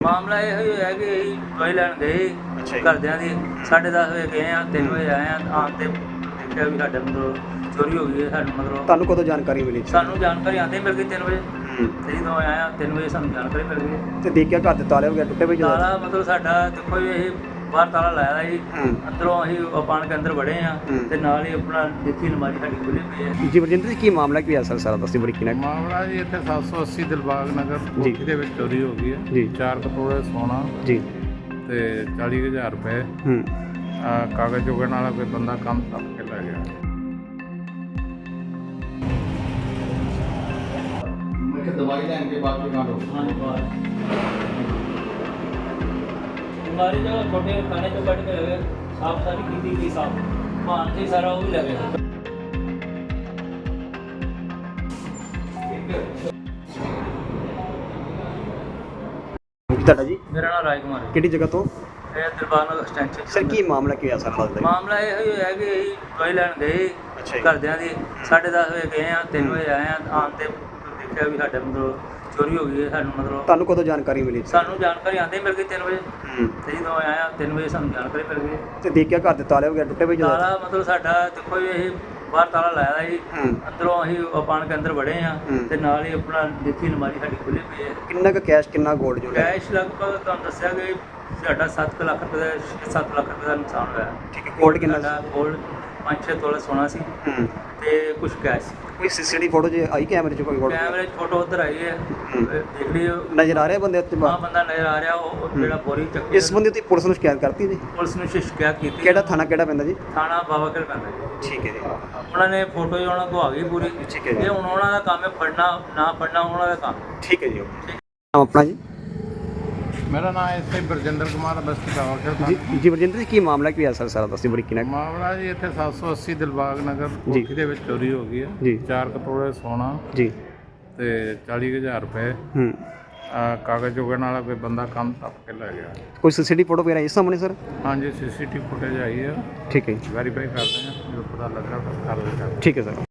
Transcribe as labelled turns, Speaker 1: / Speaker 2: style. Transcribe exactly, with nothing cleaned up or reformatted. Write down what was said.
Speaker 1: ਮਾਮਲਾ ਇਹ ਹੋਇਆ ਕਿ ਅਸੀਂ ਦਵਾਈ ਲੈਣ ਗਏ ਘਰਦਿਆਂ ਦੀ ਸਾਢੇ ਦਸ ਵਜੇ ਗਏ ਆ ਤਿੰਨ ਵਜੇ ਆਏ ਆ ਆਉਣ ਤੇ ਦੇਖਿਆ ਵੀ ਸਾਡੇ ਮਤਲਬ ਚੋਰੀ ਹੋ ਗਈ ਹੈ। ਸਾਨੂੰ ਮਤਲਬ
Speaker 2: ਤੁਹਾਨੂੰ ਕਦੋਂ ਜਾਣਕਾਰੀ ਮਿਲੀ?
Speaker 1: ਸਾਨੂੰ ਜਾਣਕਾਰੀ ਆਉਂਦੇ ਮਿਲ ਗਈ ਤਿੰਨ ਵਜੇ ਤੇ ਜਦੋਂ ਆਇਆ ਤਿੰਨ ਵਜੇ ਸਾਨੂੰ ਜਾਣਕਾਰੀ ਮਿਲ ਗਈ
Speaker 2: ਤੇ ਦੇਖਿਆ ਘਰ ਦੇ ਤਾਲੇ ਵਗੈਰਾ ਟੁੱਟੇ ਪਏ ਜਦੋਂ?
Speaker 1: ਤਾਲਾ ਮਤਲਬ ਸਾਡਾ ਦੇਖੋ ਜੀ ਇਹ ਬਾਹਰ ਤਾਲਾ ਲਾਇਆ ਦਾ ਜੀ ਅੰਦਰੋਂ ਅਸੀਂ ਪਾਣ ਕੇ ਅੰਦਰ ਵੜੇ ਆ ਤੇ ਨਾਲ ਹੀ ਆਪਣਾ ਦੇਖੀ ਅਲਮਾਰੀ ਸਾਡੀ ਖੁੱਲੀ ਪਈ ਹੈ।
Speaker 2: ਜੀ ਵਰਜਿੰਦਰ ਜੀ ਕੀ ਮਾਮਲਾ ਕੀ ਹੈ ਸਰ ਸਾਰਾ ਦੱਸੋ ਬਰੀਕੀ ਨਾਲ।
Speaker 3: ਮਾਮਲਾ ਜੀ ਇੱਥੇ ਸੱਤ ਸੌ ਅੱਸੀ ਦਿਲਬਾਗ ਨਗਰ ਕੋਠੀ ਦੇ ਵਿੱਚ ਚੋਰੀ ਹੋ ਗਈ ਹੈ
Speaker 2: ਜੀ।
Speaker 3: ਚਾਰ ਕਟੋਰੇ ਸੋਨਾ
Speaker 2: ਜੀ
Speaker 3: ਤੇ ਚਾਲੀ ਹਜ਼ਾਰ ਰੁਪਏ
Speaker 2: ਹੂੰ
Speaker 3: ਆਹ ਕਾਗਜ਼ ਚੁਗਣ ਵਾਲਾ ਕੋਈ ਬੰਦਾ ਕੰਮ ਟੱਪ ਕੇ ਲੈ ਗਿਆ।
Speaker 4: मैं दवाई लेने के बाद भी कहाँ
Speaker 1: हाँ जी बाहर हमारी जगह छोटे खाने जो कट के लगे साफ सारी की थी गई साफ मान से सारा वो भी लगे
Speaker 2: ਤੁਹਾਡਾ ਜੀ?
Speaker 1: मेरा नाम राज कुमार है
Speaker 2: ਕਿਹੜੀ ਜਗ੍ਹਾ ਤੋਂ?
Speaker 1: ਇਹ ਦਰਬਾਰ ਨਗਰ ਐਕਸਟੈਂਸ਼ਨ
Speaker 2: ਸਰ ਕੀ ਮਾਮਲਾ ਕੀ ਹੋਇਆ ਸਾਰਾ ਦੱਸ ਦਿਓ।
Speaker 1: ਮਾਮਲਾ ਇਹ ਹੋਇਆ ਕਿ ਅਸੀਂ ਦਵਾਈ ਲੈਣ ਗਏ
Speaker 2: ਅੱਛਾ ਜੀ।
Speaker 1: ਘਰਦਿਆਂ ਦੀ ਸਾਢੇ ਦਸ ਵਜੇ ਗਏ ਆ ਤਿੰਨ ਵਜੇ ਆਏ ਆ ਆਉਣ ਤੇ ਦੇਖਿਆ ਵੀ ਸਾਡੇ ਮਤਲਬ ਚੋਰੀ ਹੋ ਗਈ ਹੈ। ਸਾਨੂੰ ਮਤਲਬ
Speaker 2: ਤੁਹਾਨੂੰ ਕਦੋਂ ਜਾਣਕਾਰੀ ਮਿਲੀ?
Speaker 1: ਸਾਨੂੰ ਜਾਣਕਾਰੀ ਆਉਂਦੇ ਮਿਲ ਗਈ ਤਿੰਨ ਵਜੇ
Speaker 2: ਹੂੰ
Speaker 1: ਤੇ ਜਦੋਂ ਆਇਆ ਤਿੰਨ ਵਜੇ ਸਾਨੂੰ ਜਾਣਕਾਰੀ ਮਿਲ ਗਈ।
Speaker 2: ਤੇ ਦੇਖਿਆ ਘਰ ਦੇ ਤਾਲੇ ਵਗੈਰਾ ਟੁੱਟੇ ਪਏ ਜਦੋਂ?
Speaker 1: ਤਾਲਾ ਮਤਲਬ ਸਾਡਾ ਦੇਖੋ ਜੀ ਇਹ ਬਾਹਰ ਤਾਲਾ ਲਾਇਆ ਦਾ ਜੀ
Speaker 2: ਹੂੰ
Speaker 1: ਅੰਦਰੋਂ ਅਸੀਂ ਪਾਣ ਕੇ ਅੰਦਰ ਵੜੇ ਆ ਤੇ ਨਾਲ ਹੀ ਆਪਣਾ ਦੇਖੀ ਅਲਮਾਰੀ ਸਾਡੀ ਖੁੱਲੀ ਪਈ ਹੈ।
Speaker 2: ਕਿੰਨਾ ਕੁ ਕੈਸ਼ ਕਿੰਨਾ ਗੋਲਡ ਜੋ ਹੈ?
Speaker 1: ਕੈਸ਼ ਲਗਭਗ ਤੁਹਾਨੂੰ ਦੱਸਿਆ ਕਿ ਸਾਡਾ ਸੱਤ ਲੱਖ ਰੁਪਏ ਦਾ ਛੇ ਸੱਤ ਲੱਖ ਰੁਪਏ ਦਾ ਨੁਕਸਾਨ ਹੋਇਆ।
Speaker 2: ਠੀਕ ਹੈ ਗੋਲਡ ਕਿੰਨਾ?
Speaker 1: ਸਾਡਾ ਗੋਲਡ ਪੰਜ ਛੇ ਤੋਲੇ ਸੋਨਾ ਸੀ
Speaker 2: ਹੂੰ
Speaker 1: ਤੇ ਕੁਝ ਕੈਸ਼ ਸੀ।
Speaker 2: ਕੋਈ ਸੀਸੀਟੀਵੀ ਫੋਟੋ ਜੇ ਆਈ ਕੈਮਰੇ 'ਚ ਕੋਈ ਗੋਲਡ
Speaker 1: ਕੈਮਰੇ 'ਚ ਫੋਟੋ ਉੱਧਰ ਆਈ ਹੈ ਦੇਖ ਲਿਓ।
Speaker 2: ਨਜ਼ਰ ਆ ਰਿਹਾ ਬੰਦੇ ਉੱਤੇ?
Speaker 1: ਆਹ ਬੰਦਾ ਨਜ਼ਰ ਆ ਰਿਹਾ ਉਹ ਉਹ ਜਿਹੜਾ ਬੋਰੀ ਚੱਕੀ
Speaker 2: ਇਸ ਬੰਦੇ ਉੱਤੇ ਪੁਲਿਸ ਨੂੰ ਸ਼ਿਕਾਇਤ ਕਰਤੀ ਜੀ?
Speaker 1: ਪੁਲਿਸ ਨੂੰ ਸ਼ਿਕਾਇਤ ਕੀਤੀ।
Speaker 2: ਕਿਹੜਾ ਥਾਣਾ ਕਿਹੜਾ ਪੈਂਦਾ ਜੀ?
Speaker 1: ਥਾਣਾ ਬਾਬਾ ਖੇਲ ਪੈਂਦਾ ਜੀ।
Speaker 2: ਠੀਕ ਹੈ ਜੀ
Speaker 1: ਉਹਨਾਂ ਨੇ ਫੋਟੋ ਹੀ ਉਹਨਾਂ ਕੋਲ ਆ ਗਈ ਪੂਰੀ।
Speaker 2: ਠੀਕ ਹੈ ਜੀ।
Speaker 1: ਇਹ ਹੁਣ ਉਹਨਾਂ ਦਾ ਕੰਮ ਹੈ ਫੜਨਾ ਨਾ ਫੜਨਾ ਉਹਨਾਂ ਦਾ ਕੰਮ।
Speaker 2: ਠੀਕ ਹੈ ਜੀ ਓਕੇ। ਨਾਮ ਆਪਣਾ ਜੀ?
Speaker 3: ਮੇਰਾ ਨਾਮ ਇੱਥੇ ਬਰਜਿੰਦਰ ਕੁਮਾਰ ਬਸਤੀ ਬਾਵਾਖੇਲ
Speaker 2: ਜੀ
Speaker 3: ਦਾ।
Speaker 2: ਜੀ ਵਰਜਿੰਦਰ ਜੀ ਕੀ ਮਾਮਲਾ ਕੀ ਹੋਇਆ ਸਰ ਸਾਰਾ ਦੱਸੋ ਬਰੀਕੀ ਨਾਲ।
Speaker 3: ਮਾਮਲਾ ਜੀ ਇੱਥੇ ਸੱਤ ਸੌ ਅੱਸੀ ਦਿਲਬਾਗ ਨਗਰ
Speaker 2: ਜੀ।
Speaker 3: ਕੋਠੀ ਦੇ ਵਿੱਚ ਚੋਰੀ ਹੋ ਗਈ ਹੈ
Speaker 2: ਜੀ।
Speaker 3: ਚਾਰ ਕਟੋਰੇ ਸੋਨਾ
Speaker 2: ਜੀ
Speaker 3: ਤੇ ਚਾਲੀ ਹਜ਼ਾਰ ਰੁਪਏ
Speaker 2: ਹੂੰ
Speaker 3: ਆਹ ਕਾਗਜ਼ ਚੁਗਣ ਵਾਲਾ ਕੋਈ ਬੰਦਾ ਕੰਮ ਟੱਪ ਕੇ ਲੈ ਗਿਆ।
Speaker 2: ਕੋਈ ਸੀਸੀਟੀਵੀ ਫੋਟੋ ਵਗੈਰਾ ਇਸ ਸਾਹਮਣੇ ਸਰ?
Speaker 3: ਹਾਂਜੀ ਸੀਸੀਟੀਵੀ ਫੁਟੇਜ ਆਈ ਹੈ
Speaker 2: ਠੀਕ ਹੈ ਜੀ
Speaker 3: ਵੈਰੀਫਾਈ ਕਰਦੇ ਹਾਂ ਜੋ ਪਤਾ ਲੱਗ ਰਿਹਾ ਤਾਂ ਕਰ ਲਿਆ।
Speaker 2: ਠੀਕ ਹੈ ਸਰ।